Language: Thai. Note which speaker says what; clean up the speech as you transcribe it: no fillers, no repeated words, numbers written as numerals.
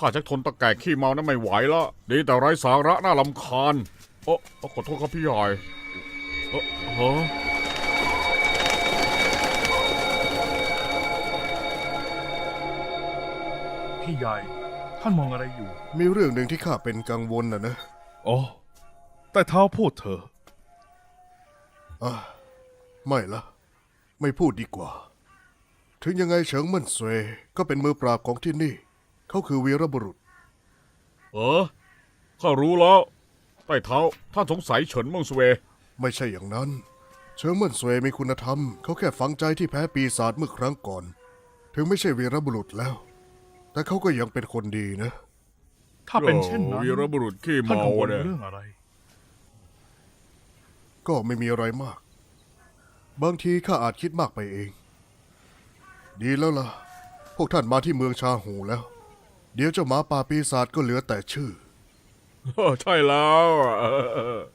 Speaker 1: ข้าชักทนตะแก่ขี้เมานั้นไม่ไหวแล้วดีแต่ไร้สาระน่ารำคาญโอ้ขอโทษครับพี่ใหญ่ฮะ
Speaker 2: พี่ใหญ่ท่านมองอะไรอยู่
Speaker 3: มีเรื่องหนึ่งที่ข้าเป็นกังวลนะ
Speaker 2: อ๋อ แต่เท้าพูดเถอะ
Speaker 3: ไม่ละไม่พูดดีกว่า ถึงยังไงเฉิงเมั่นเสวยก็เป็นมือปราบของที่นี่ เขาคือวีรบุรุษ
Speaker 1: ข้ารู้แล้วใต้เท้าท่านสงสัยเฉินเมิงสเวย์
Speaker 3: ไม่ใช่อย่างนั้น เฉิงเมั่นเสวยมีคุณธรรม เขาแค่ฝังใจที่แพ้ปีศาจเมื่อครั้งก่อน ถึงไม่ใช่วีรบุรุษแล้ว แต่เขาก็ยังเป็นคนดีนะ
Speaker 2: ถ้าเป็นเช่นนั้น
Speaker 1: วีรบุรุษขี้
Speaker 2: ท่าน
Speaker 1: เมา
Speaker 2: กังวล
Speaker 1: เนี่ย
Speaker 2: เรื่องอะไร
Speaker 3: ก็ไม่มีอะไรมาก บางทีข้าอาจคิดมากไปเอง ดีแล้วล่ะ พวกท่านมาที่เมืองชาหูแล้ว เดี๋ยวเจ้าหมาป่าปีศาจก็เหลือแต่ชื่อ
Speaker 1: ใช่แล้ว